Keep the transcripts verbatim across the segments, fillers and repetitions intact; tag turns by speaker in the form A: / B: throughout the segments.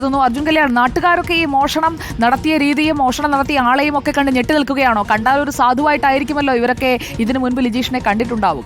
A: അർജുൻ കല്യാൺ, നാട്ടുകാരൊക്കെ ഈ മോഷണം നടത്തിയ രീതിയും മോഷണം നടത്തിയ ആളെയും ഒക്കെ കണ്ട് ഞെട്ടി നിൽക്കുകയാണോ? കണ്ടാൽ ഒരു സാധുവായിട്ടായിരിക്കുമല്ലോ ഇവരൊക്കെ ഇതിനു മുൻപ് ലിജീഷിനെ കണ്ടിട്ടുണ്ടാവുക.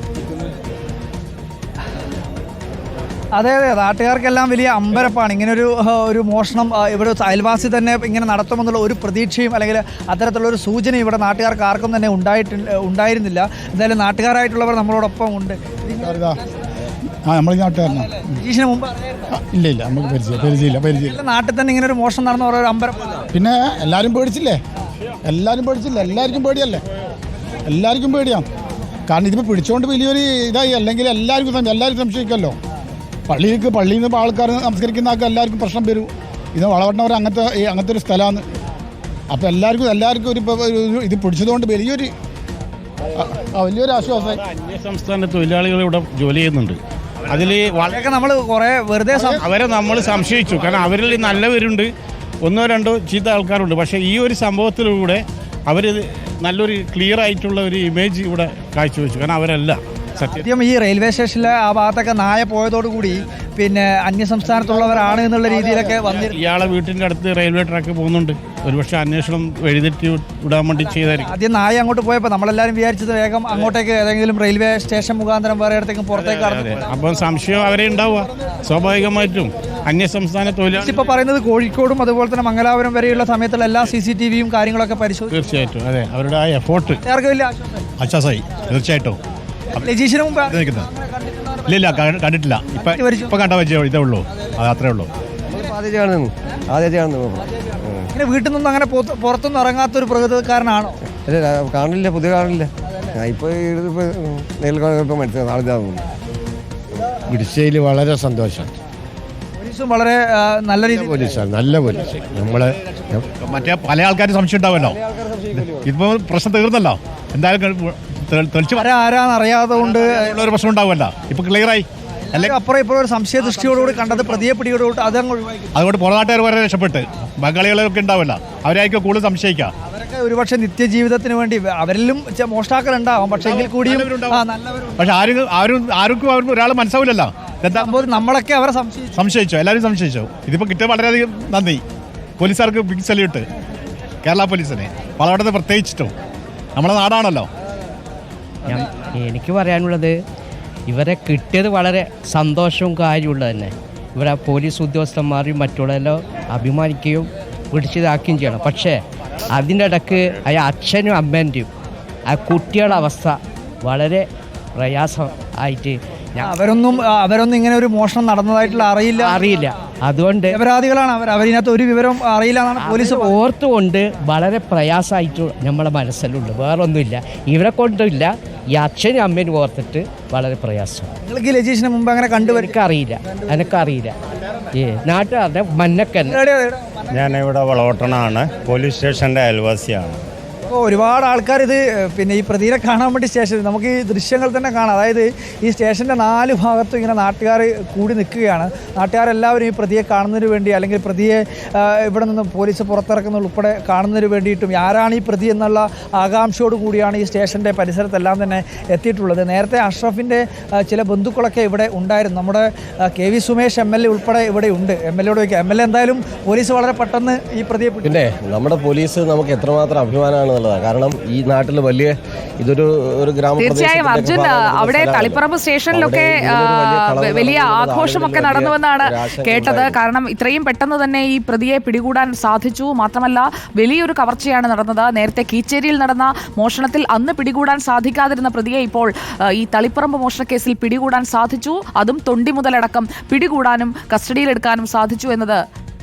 B: അതെ അതെ നാട്ടുകാർക്കെല്ലാം വലിയ അമ്പരപ്പാണ്. ഇങ്ങനൊരു ഒരു മോഷണം ഇവിടെ അയൽവാസി തന്നെ ഇങ്ങനെ നടത്തുമെന്നുള്ള ഒരു പ്രതീക്ഷയും അല്ലെങ്കിൽ അത്തരത്തിലുള്ള ഒരു സൂചന ഇവിടെ നാട്ടുകാർക്ക് ആർക്കും തന്നെ ഉണ്ടായിട്ട് ഉണ്ടായിരുന്നില്ല. എന്തായാലും നാട്ടുകാരായിട്ടുള്ളവർ നമ്മളോടൊപ്പം ഉണ്ട്.
C: ആ നമ്മൾ നാട്ടുകാരനാണ്.
B: ലിജീഷിന് മുമ്പ്
C: ഇല്ല ഇല്ല നമുക്ക് പരിചയം പരിചയമില്ല പരിചയമില്ല
B: നാട്ടിൽ തന്നെ ഇങ്ങനെ ഒരു മോഷണം നടന്ന ഓരോ അമ്പരപ്പാണ്.
C: പിന്നെ എല്ലാവരും പേടിച്ചില്ലേ എല്ലാവരും പേടിച്ചില്ല എല്ലാവർക്കും പേടിയല്ലേ എല്ലാവർക്കും പേടിയാണ്. കാരണം ഇതിപ്പോൾ പിടിച്ചുകൊണ്ട് വലിയൊരു ഇതായി. അല്ലെങ്കിൽ എല്ലാവർക്കും എല്ലാവരും സംശയിക്കുമല്ലോ. പള്ളിയിലേക്ക് പള്ളിയിൽ നിന്ന് ആൾക്കാർ നമസ്കരിക്കുന്ന ആൾക്ക് എല്ലാവർക്കും പ്രശ്നം വരും. ഇത് വളവട്ടവർ അങ്ങനത്തെ അങ്ങനത്തെ ഒരു സ്ഥലമാണ്. അപ്പോൾ എല്ലാവർക്കും എല്ലാവർക്കും ഒരു ഇത് പിടിച്ചതുകൊണ്ട് വലിയൊരു വലിയൊരു ആശ്വാസമായി.
D: അന്യ സംസ്ഥാന തൊഴിലാളികൾ ഇവിടെ ജോലി ചെയ്യുന്നുണ്ട്. അതിൽ
B: വളരെ നമ്മൾ കുറേ വെറുതെ
D: അവരെ നമ്മൾ സംശയിച്ചു. കാരണം അവരിൽ നല്ലവരുണ്ട്, ഒന്നോ രണ്ടോ ചീത്ത ആൾക്കാരുണ്ട്. പക്ഷേ ഈ ഒരു സംഭവത്തിലൂടെ അവർ നല്ലൊരു ക്ലിയർ ആയിട്ടുള്ള ഒരു ഇമേജ് ഇവിടെ കാഴ്ചവെച്ചു. കാരണം അവരല്ല
B: സത്യം ഈ റെയിൽവേ സ്റ്റേഷനിലെ ആ ഭാഗത്തൊക്കെ നായ പോയതോടുകൂടി പിന്നെ അന്യസംസ്ഥാനത്തുള്ളവരാണ് എന്നുള്ള രീതിയിലൊക്കെ വന്നിരുന്നു.
D: ഇയാളെ വീട്ടിൻ്റെ അടുത്ത് റെയിൽവേ ട്രാക്ക് പോകുന്നുണ്ട്. ഒരുപക്ഷെ അന്വേഷണം എഴുതിട്ട് വിടാൻ വേണ്ടി ചെയ്തായിരിക്കും.
B: ആദ്യം നായ അങ്ങോട്ട് പോയപ്പോൾ നമ്മളെല്ലാവരും വിചാരിച്ചത് വേഗം അങ്ങോട്ടേക്ക് ഏതെങ്കിലും റെയിൽവേ സ്റ്റേഷൻ മുഖാന്തരം വേറെ ഇടത്തേക്കും പുറത്തേക്ക് കടന്നു.
D: അപ്പം സംശയം അവരെ ഉണ്ടാവുക സ്വാഭാവികമായിട്ടും. അന്യസംസ്ഥാന തൊഴിലാളി
B: ഇപ്പോൾ പറയുന്നത് കോഴിക്കോടും അതുപോലെ തന്നെ മംഗലാപുരം വരെയുള്ള സമയത്തുള്ള എല്ലാ സി സി ടി വിയും കാര്യങ്ങളൊക്കെ പരിശോധിച്ചു.
D: തീർച്ചയായിട്ടും അതെ അവരുടെ ആ എഫോർട്ട്
B: വലിയ
E: ആശ്വാസമായി. തീർച്ചയായിട്ടും
B: ലജീഷിന് മുമ്പ്
E: ഇല്ല ഇല്ല കണ്ടിട്ടില്ല. ഇപ്പൊ ഇപ്പൊ കണ്ട വെച്ചേ ഇതേ ഉള്ളൂ. അത് അത്രേ ഉള്ളൂ.
B: ഇങ്ങനെ വീട്ടിൽ നിന്നും അങ്ങനെ പുറത്തൊന്നും ഇറങ്ങാത്തൊരു പ്രകൃതക്കാരനാണോ?
F: കാണില്ല, പുതിയ കാണില്ല. ഇപ്പോൾ നേരിൽ മനസ്സിലാവും നാളെ
C: പിടിച്ചതിൽ വളരെ സന്തോഷം.
B: പോലീസും വളരെ നല്ല രീതിയിൽ
C: പോലീസാണ്, നല്ല പോലീസ്. നമ്മളെ
E: മറ്റേ പല ആൾക്കാരും സംശയം ഉണ്ടാവുമല്ലോ. ഇപ്പൊ പ്രശ്നം തീർന്നല്ലോ. എന്തായാലും തെളിച്ച്
B: ആരാന്ന് അറിയാതെ കൊണ്ട്
E: ഒരു പ്രശ്നം ഉണ്ടാവുമല്ലോ. ഇപ്പൊ ക്ലിയറായി.
B: അല്ലെങ്കിൽ അപ്പുറം ഇപ്പോഴും ഒരു സംശയ ദൃഷ്ടിയോടുകൂടി കണ്ടത് പ്രതിയെ പിടിയോടുകൂടി അതങ്ങ് ഒഴിവാക്കി.
E: അതുകൊണ്ട് പുറനാട്ടുകാർ വരെ രക്ഷപ്പെട്ട് ബംഗാളികളൊക്കെ ഉണ്ടാവില്ല. അവരായിരിക്കും കൂടുതൽ സംശയിക്കുക.
B: അവരൊക്കെ ഒരുപക്ഷെ നിത്യജീവിതത്തിന് വേണ്ടി അവരിലും മോഷ്ടാക്കളുണ്ടാവും. പക്ഷെ എങ്കിൽ കൂടിയും
E: പക്ഷെ ആരും ആരും ആർക്കും അവർ ഒരാൾ മനസ്സാവില്ലല്ലോ. എന്താ
B: നമ്മളൊക്കെ അവരെ സംശയിച്ചു
E: സംശയിച്ചു എല്ലാവരും സംശയിച്ചു. ഇതിപ്പോൾ കിട്ടിയ വളരെയധികം നന്ദി. പോലീസുകാർക്ക് ബിഗ് സല്യൂട്ട്. കേരള പോലീസിനെ വളവട്ടത്തെ പ്രത്യേകിച്ചിട്ടും നമ്മുടെ നാടാണല്ലോ.
G: എനിക്ക് പറയാനുള്ളത് ഇവരെ കിട്ടിയത് വളരെ സന്തോഷവും കാര്യമുള്ളത് തന്നെ. ഇവരെ പോലീസ് ഉദ്യോഗസ്ഥന്മാരും മറ്റുള്ളവരെല്ലാം അഭിമാനിക്കുകയും പിടിച്ചതാക്കുകയും ചെയ്യണം. പക്ഷേ അതിൻ്റെ ഇടയ്ക്ക് ആ അച്ഛനും അമ്മേൻ്റെയും ആ കുട്ടികളുടെ അവസ്ഥ വളരെ പ്രയാസം ആയിട്ട്
B: അവരൊന്നും അവരൊന്നും ഇങ്ങനെ ഒരു മോഷണം നടന്നതായിട്ടുള്ള അറിയില്ല
G: അറിയില്ല അതുകൊണ്ട്
B: അപരാധികളാണ് അവർ. അവരിനകത്ത് ഒരു വിവരം അറിയില്ല എന്നാണ് പോലീസ്
G: ഓർത്തുകൊണ്ട് വളരെ പ്രയാസമായിട്ട് നമ്മളെ മനസ്സിലുണ്ട്. വേറൊന്നുമില്ല, ഇവരെ കൊണ്ടില്ല. ഈ അച്ഛനും അമ്മേനും ഓർത്തിട്ട് വളരെ പ്രയാസം.
B: നിങ്ങൾക്ക് ലജീഷിന് മുമ്പ് അങ്ങനെ കണ്ടുവരും?
G: എനിക്കറിയില്ല എനിക്കറിയില്ല ഏ നാട്ടുകാരുടെ മന്നക്കൻ.
H: ഞാനിവിടെ വളവട്ടണാണ്, പോലീസ് സ്റ്റേഷൻ്റെ അയൽവാസിയാണ്.
B: അപ്പോൾ ഒരുപാട് ആൾക്കാർ ഇത് പിന്നെ ഈ പ്രതിയെ കാണാൻ വേണ്ടി സ്റ്റേഷനിൽ നമുക്ക് ഈ ദൃശ്യങ്ങൾ തന്നെ കാണാം. അതായത് ഈ സ്റ്റേഷൻ്റെ നാല് ഭാഗത്തും ഇങ്ങനെ നാട്ടുകാർ കൂടി നിൽക്കുകയാണ്. നാട്ടുകാരെല്ലാവരും ഈ പ്രതിയെ കാണുന്നതിന് വേണ്ടി അല്ലെങ്കിൽ പ്രതിയെ ഇവിടെ നിന്ന് പോലീസ് പുറത്തിറക്കുന്ന ഉൾപ്പെടെ കാണുന്നതിന് വേണ്ടിയിട്ടും ആരാണ് ഈ പ്രതി എന്നുള്ള ആകാംക്ഷയോട് കൂടിയാണ് ഈ സ്റ്റേഷൻ്റെ പരിസരത്തെല്ലാം തന്നെ എത്തിയിട്ടുള്ളത്. നേരത്തെ അഷ്റഫിൻ്റെ ചില ബന്ധുക്കളൊക്കെ ഇവിടെ ഉണ്ടായിരുന്നു. നമ്മുടെ K V Sumesh M L A ഉൾപ്പെടെ ഇവിടെ ഉണ്ട്. എം എൽ എയോട് വയ്ക്കുക. എം എൽ എ എന്തായാലും പോലീസ് വളരെ പെട്ടെന്ന് ഈ പ്രതിയെ
F: പിന്നെ നമ്മുടെ പോലീസ് നമുക്ക് എത്രമാത്രം അഭിമാനമാണ്. കാരണം ഈ നാട്ടിൽ വലിയ ഇതൊരു ഒരു ഗ്രാമ
A: തീർച്ചയായും അർജുൻ അവിടെ തളിപ്പറമ്പ് സ്റ്റേഷനിലൊക്കെ വലിയ ആഘോഷമൊക്കെ നടന്നുവെന്നാണ് കേട്ടത്. കാരണം ഇത്രയും പെട്ടെന്ന് തന്നെ ഈ പ്രതിയെ പിടികൂടാൻ സാധിച്ചു. മാത്രമല്ല വലിയൊരു കവർച്ചയാണ് നടന്നത്. നേരത്തെ കീച്ചേരിയിൽ നടന്ന മോഷണത്തിൽ അന്ന് പിടികൂടാൻ സാധിക്കാതിരുന്ന പ്രതിയെ ഇപ്പോൾ ഈ തളിപ്പറമ്പ് മോഷണക്കേസിൽ പിടികൂടാൻ സാധിച്ചു. അതും തൊണ്ടി മുതലടക്കം പിടികൂടാനും കസ്റ്റഡിയിലെടുക്കാനും സാധിച്ചു എന്നത്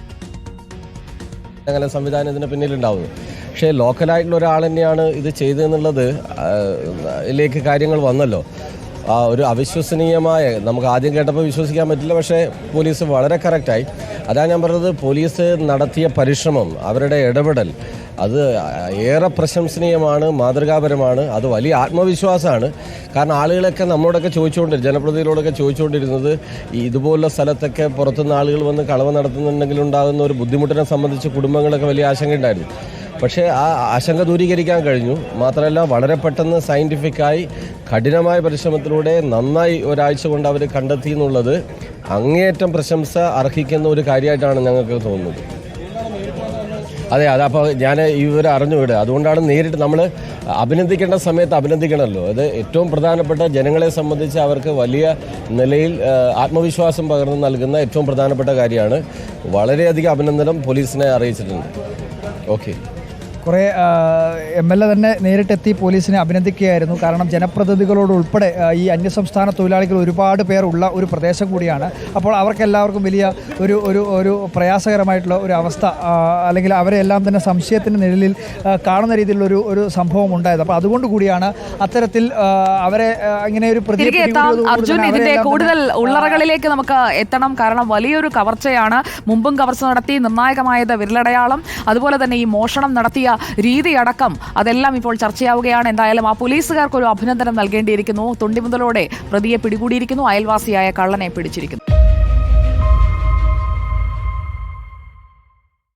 F: അങ്ങനെ സംവിധാനം ഇതിന് പിന്നിലുണ്ടാവുന്നത്. പക്ഷേ ലോക്കലായിട്ടുള്ള ഒരാൾ തന്നെയാണ് ഇത് ചെയ്തതെന്നുള്ളത് ഇതിലേക്ക് കാര്യങ്ങൾ വന്നല്ലോ. ആ ഒരു അവിശ്വസനീയമായ, നമുക്ക് ആദ്യം കേട്ടപ്പോൾ വിശ്വസിക്കാൻ പറ്റില്ല. പക്ഷേ പോലീസ് വളരെ കറക്റ്റായി. അതാണ് ഞാൻ പറഞ്ഞത്, പോലീസ് നടത്തിയ പരിശ്രമം, അവരുടെ ഇടപെടൽ അത് ഏറെ പ്രശംസനീയമാണ്, മാതൃകാപരമാണ്. അത് വലിയ ആത്മവിശ്വാസമാണ്. കാരണം ആളുകളൊക്കെ നമ്മളോടൊക്കെ ചോദിച്ചുകൊണ്ടിരുന്നത്, ജനപ്രതിനിധികളോടൊക്കെ ചോദിച്ചുകൊണ്ടിരുന്നത് ഇതുപോലുള്ള സ്ഥലത്തൊക്കെ പുറത്തുനിന്ന് ആളുകൾ വന്ന് കളവ് നടത്തുന്നുണ്ടെങ്കിൽ ഉണ്ടാകുന്ന ഒരു ബുദ്ധിമുട്ടിനെ സംബന്ധിച്ച് കുടുംബങ്ങളൊക്കെ വലിയ ആശങ്കയുണ്ടായിരുന്നു. പക്ഷേ ആ ആശങ്ക ദൂരീകരിക്കാൻ കഴിഞ്ഞു. മാത്രമല്ല വളരെ പെട്ടെന്ന് സയൻറ്റിഫിക്കായി കഠിനമായ പരിശ്രമത്തിലൂടെ നന്നായി ഒരാഴ്ച കൊണ്ട് അവർ കണ്ടെത്തി എന്നുള്ളത് അങ്ങേയറ്റം പ്രശംസ അർഹിക്കുന്ന ഒരു കാര്യമായിട്ടാണ് ഞങ്ങൾക്ക് തോന്നുന്നത്. അതെ, അതപ്പോൾ ഞാൻ ഇവർ അറിഞ്ഞുവിടുക. അതുകൊണ്ടാണ് നേരിട്ട് നമ്മൾ അഭിനന്ദിക്കേണ്ട സമയത്ത് അഭിനന്ദിക്കണമല്ലോ. അത് ഏറ്റവും പ്രധാനപ്പെട്ട ജനങ്ങളെ സംബന്ധിച്ച് അവർക്ക് വലിയ നിലയിൽ ആത്മവിശ്വാസം പകർന്നു നൽകുന്ന ഏറ്റവും പ്രധാനപ്പെട്ട കാര്യമാണ്. വളരെയധികം അഭിനന്ദനം പോലീസിനെ അറിയിച്ചിട്ടുണ്ട്. ഓക്കെ.
B: കുറേ എം എൽ എ തന്നെ നേരിട്ടെത്തി പോലീസിനെ അഭിനന്ദിക്കുകയായിരുന്നു. കാരണം ജനപ്രതിനിധികളോട് ഉൾപ്പെടെ ഈ അന്യസംസ്ഥാന തൊഴിലാളികൾ ഒരുപാട് പേർ ഉള്ള ഒരു പ്രദേശം കൂടിയാണ്. അപ്പോൾ അവർക്കെല്ലാവർക്കും വലിയ ഒരു ഒരു ഒരു പ്രയാസകരമായിട്ടുള്ള ഒരു അവസ്ഥ, അല്ലെങ്കിൽ അവരെ എല്ലാം തന്നെ സംശയത്തിൻ്റെ നിഴലിൽ കാണുന്ന രീതിയിലുള്ളൊരു ഒരു സംഭവം ഉണ്ടായത്. അപ്പോൾ അതുകൊണ്ട് കൂടിയാണ് അത്തരത്തിൽ അവരെ ഇങ്ങനെ ഒരു
A: തിരികെ എത്താം. അർജുൻ, ഇതിന്റെ കൂടുതൽ ഉള്ളറകളിലേക്ക് നമുക്ക് എത്തണം. കാരണം വലിയൊരു കവർച്ചയാണ്. മുമ്പും കവർച്ച നടത്തി, നിർണായകമായത് വിരലടയാളം, അതുപോലെ തന്നെ ഈ മോഷണം നടത്തിയ രീതിയടക്കം അതെല്ലാം ഇപ്പോൾ ചർച്ചയാവുകയാണ്. എന്തായാലും ആ പോലീസുകാർക്ക് ഒരു അഭിനന്ദനം നൽകേണ്ടിയിരിക്കുന്നു. തൊണ്ടിമുതലോടെ പ്രതിയെ പിടികൂടിയിരിക്കുന്നു. അയൽവാസിയായ കള്ളനെ പിടിച്ചിരിക്കുന്നു.